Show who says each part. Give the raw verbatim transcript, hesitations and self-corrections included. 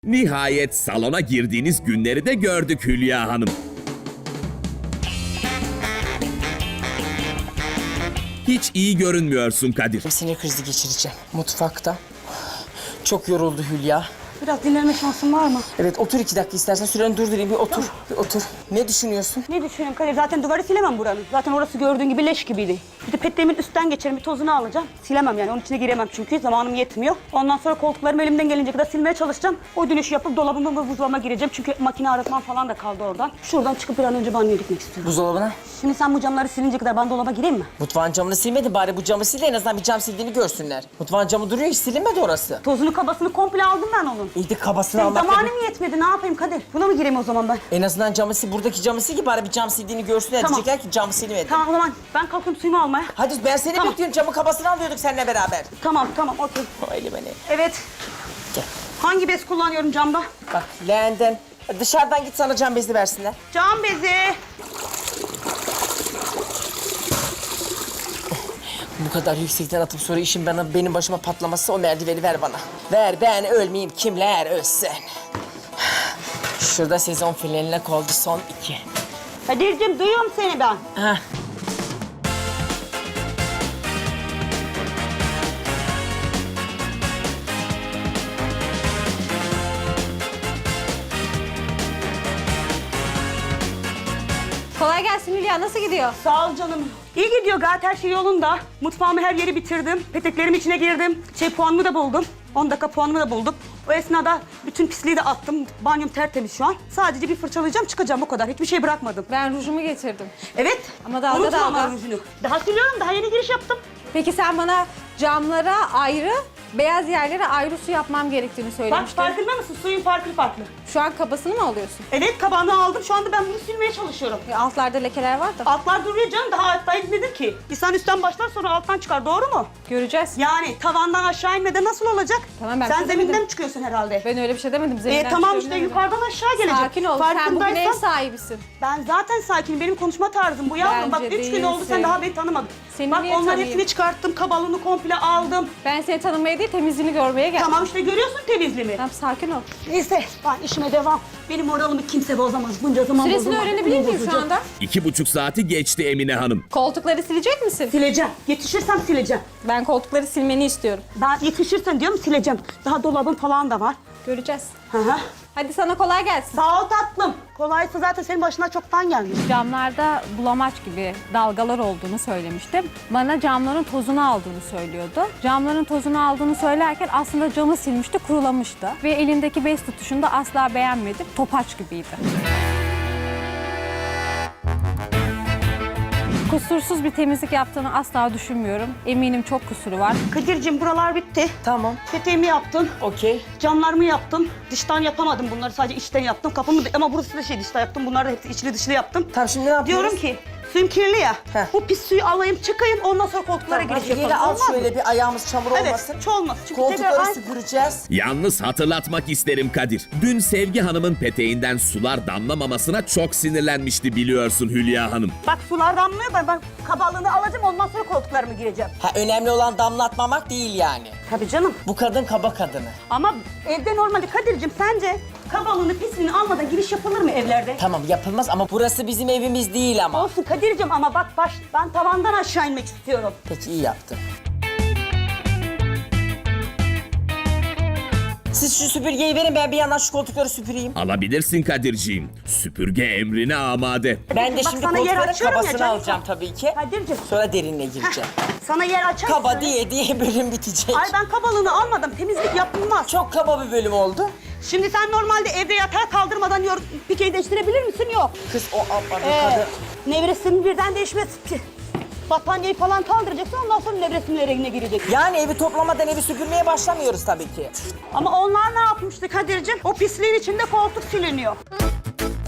Speaker 1: Nihayet salona girdiğiniz günleri de gördük Hülya Hanım. Hiç iyi görünmüyorsun Kadir.
Speaker 2: Sinir krizi geçireceğim mutfakta. Çok yoruldu Hülya.
Speaker 3: Biraz dinlenme şansın var mı?
Speaker 2: Evet, otur iki dakika istersen. Süreni durdurayım, bir otur. Bir otur. Ne düşünüyorsun?
Speaker 3: Ne düşünüyorum Kadir? Zaten duvarı silemem buranın. Zaten orası gördüğün gibi leş gibiydi. Bir de petleğimin üstten geçerim, bir tozunu alacağım. Silemem yani, onun içine giremem çünkü zamanım yetmiyor. Ondan sonra koltuklarımı elimden gelince kadar silmeye çalışacağım. O dönüşü yapıp dolabıma ve buzdolabıma gireceğim. Çünkü makine arıtmam falan da kaldı oradan. Şuradan çıkıp bir an önce banyoya gitmek istiyorum.
Speaker 2: Buzdolabına.
Speaker 3: Şimdi sen bu camları silince kadar ben dolaba gireyim mi?
Speaker 2: Mutfağın camını silmedin, bari bu camı sil de en azından bir cam sildiğini görsünler. Mutfağın camı duruyor, hiç silinmedi orası.
Speaker 3: Tozunu kabasını komple aldım ben onun.
Speaker 2: İyi de kabasını
Speaker 3: Senin
Speaker 2: almak...
Speaker 3: zamanım yetmedi, ne yapayım Kadir? Buna mı gireyim o zaman ben?
Speaker 2: En azından camı sil, buradaki camı sil ki bari bir cam sildiğini görsünler.
Speaker 3: Tamam.
Speaker 2: Diyecekler ki cam silmedi.
Speaker 3: Tamam o zaman ben kalkıyorum suyumu almaya.
Speaker 2: Hadi ben seni
Speaker 3: Tamam.
Speaker 2: bekliyorum, camı kabasını alıyorduk seninle beraber.
Speaker 3: Tamam tamam okey.
Speaker 2: O eli beni.
Speaker 3: Evet.
Speaker 2: Gel.
Speaker 3: Hangi bez kullanıyorum camda?
Speaker 2: Bak leğenden. Dışarıdan git sana cam bezi versinler.
Speaker 3: Cam bezi.
Speaker 2: Bu kadar yüksekten atıp sonra işin bana, benim başıma patlaması, o merdiveni ver bana. Ver, ben ölmeyeyim, kimler ölsün. Şurada sezon finaline kaldı son iki.
Speaker 3: Kadir'cim duyuyorum seni ben.
Speaker 2: Heh.
Speaker 4: Kolay gelsin Hülya, nasıl gidiyor?
Speaker 3: Sağ ol canım. İyi gidiyor gayet, her şey yolunda. Mutfağımı her yeri bitirdim. Peteklerim içine girdim. Şey puanımı da buldum. on dakika puanımı da buldum. O esnada bütün pisliği de attım. Banyom tertemiz şu an. Sadece bir fırçalayacağım, çıkacağım, o kadar. Hiçbir şey bırakmadım.
Speaker 4: Ben rujumu getirdim.
Speaker 3: Evet.
Speaker 4: Ama dalga
Speaker 3: unutma ama
Speaker 4: dalga.
Speaker 3: rujunu. Daha siliyorum, daha yeni giriş yaptım.
Speaker 4: Peki sen bana camlara ayrı, beyaz yerlere ayrı su yapmam gerektiğini
Speaker 3: Bak
Speaker 4: söylemiştin.
Speaker 3: farkında mısın? Suyun farklı farklı.
Speaker 4: Şu an kabasını mı alıyorsun?
Speaker 3: Evet, kabağını aldım. Şu anda ben bunu silmeye çalışıyorum.
Speaker 4: E, altlarda lekeler var da.
Speaker 3: Altlar duruyor canım, daha altta inmedim ki. İnsan üstten başlar sonra alttan çıkar, doğru mu?
Speaker 4: Göreceğiz.
Speaker 3: Yani tavandan aşağı inmeden nasıl olacak?
Speaker 4: Tamam, ben
Speaker 3: Sen
Speaker 4: bir şey
Speaker 3: zeminden
Speaker 4: demedim.
Speaker 3: mi çıkıyorsun herhalde?
Speaker 4: Ben öyle bir şey demedim.
Speaker 3: E,
Speaker 4: Zeminden
Speaker 3: tamam
Speaker 4: çıkıyorum
Speaker 3: işte
Speaker 4: demedim.
Speaker 3: yukarıdan aşağı gelecek.
Speaker 4: Sakin ol. Sen bugün ev
Speaker 3: Farkındaysan-
Speaker 4: sahibisin.
Speaker 3: Ben zaten sakinim. Benim konuşma tarzım bu yavrum. Bak
Speaker 4: Bence
Speaker 3: üç gün oldu
Speaker 4: değilsin.
Speaker 3: sen daha beni tanımadın.
Speaker 4: Seni
Speaker 3: Bak
Speaker 4: niye
Speaker 3: onların
Speaker 4: tanıyayım?
Speaker 3: hepsini çıkarttım. Kabalığını komple aldım.
Speaker 4: Ben seni tanımaya değil, temizliğini görmeye geldim.
Speaker 3: Tamam işte görüyorsun temizliğimi.
Speaker 4: Tamam, sakin ol.
Speaker 3: Neyse ben işime devam. Benim moralimi kimse bozamaz. Bunca zaman
Speaker 4: Süresini
Speaker 3: bozulmaz.
Speaker 4: öğrenebilir
Speaker 3: Bunu
Speaker 4: miyim şu
Speaker 3: bozacak.
Speaker 4: anda?
Speaker 1: İki buçuk saati geçti Emine Hanım.
Speaker 4: Koltukları silecek misin?
Speaker 3: Sileceğim. Yetişirsem sileceğim.
Speaker 4: Ben koltukları silmeni istiyorum.
Speaker 3: Ben yetişirsen diyorum sileceğim. Daha dolabım falan da var.
Speaker 4: Göreceğiz.
Speaker 3: Hı hı.
Speaker 4: Hadi sana kolay gelsin.
Speaker 3: Sağ ol tatlım. Kolaysa zaten senin başına çoktan gelmiş.
Speaker 5: Camlarda bulamaç gibi dalgalar olduğunu söylemiştim. Bana camların tozunu aldığını söylüyordu. Camların tozunu aldığını söylerken aslında camı silmişti, kurulamıştı. Ve elindeki bez tutuşunu da asla beğenmedim. Topaç gibiydi. Kusursuz bir temizlik yaptığını asla düşünmüyorum. Eminim çok kusuru var.
Speaker 3: Kadir'cim buralar bitti.
Speaker 2: Tamam,
Speaker 3: Peteğimi yaptım.
Speaker 2: okey.
Speaker 3: Camlarımı yaptım. Dıştan yapamadım bunları, sadece içten yaptım. Kapımı da, ama burası da şey dıştan yaptım. Bunları da hepsi içli dışlı yaptım.
Speaker 2: Tamam, şimdi ne yapıyoruz?
Speaker 3: Diyorum ki suyum kirli ya.
Speaker 2: Heh.
Speaker 3: Bu pis suyu alayım çıkayım, ondan sonra koltuklara
Speaker 2: Tamam,
Speaker 3: giriş
Speaker 2: hadi
Speaker 3: yapalım.
Speaker 2: geri al
Speaker 3: Olmaz mı?
Speaker 2: şöyle bir ayağımız çamur
Speaker 3: Evet,
Speaker 2: olmasın.
Speaker 3: hiç olmaz. Çünkü
Speaker 2: Koltukları
Speaker 3: tekrar-
Speaker 2: süpüreceğiz.
Speaker 1: Yalnız hatırlatmak isterim Kadir. Dün Sevgi Hanım'ın peteğinden sular damlamamasına çok sinirlenmişti biliyorsun Hülya Hanım.
Speaker 3: Bak sular damlıyor, ben, ben kabalığını alacağım, ondan sonra koltuklarımı gireceğim.
Speaker 2: Ha, önemli olan damlatmamak değil yani.
Speaker 3: Tabii canım.
Speaker 2: Bu kadın kaba kadını.
Speaker 3: Ama evde normalde Kadir'cim sence kabalığını pisliğini almadan giriş yapılır mı evlerde?
Speaker 2: Tamam, yapılmaz ama burası bizim evimiz değil ama.
Speaker 3: Olsun Kadir'cim ama bak baş, ben tavandan aşağı inmek istiyorum.
Speaker 2: Peki, iyi yaptın. Siz şu süpürgeyi verin, ben bir yandan şu koltukları süpüreyim.
Speaker 1: Alabilirsin Kadirciğim. Süpürge emrine amade.
Speaker 2: Ben de
Speaker 3: Bak
Speaker 2: şimdi
Speaker 3: sana yer
Speaker 2: koltukların
Speaker 3: açıyorum ya
Speaker 2: kabasını
Speaker 3: canım.
Speaker 2: alacağım tabii ki.
Speaker 3: Kadir'cim.
Speaker 2: Sonra derinine gireceğim.
Speaker 3: Sana yer açar
Speaker 2: Kaba
Speaker 3: mısın?
Speaker 2: diye diye bölüm bitecek.
Speaker 3: Ay ben kabalığını almadım, temizlik yapılmaz.
Speaker 2: Çok kaba bir bölüm oldu.
Speaker 3: Şimdi sen normalde evde yatağı kaldırmadan yor pikeyi değiştirebilir misin? Yok.
Speaker 2: Kız o abla
Speaker 3: Ee,
Speaker 2: kadın.
Speaker 3: nevresinin birden değişmez. Battaniyeyi falan kaldıracaksın, ondan sonra nevresinin yerine girecek.
Speaker 2: Yani evi toplamadan evi süpürmeye başlamıyoruz tabii ki.
Speaker 3: Ama onlar ne yapmıştı Kadir'cim? O pisliğin içinde koltuk siliniyor.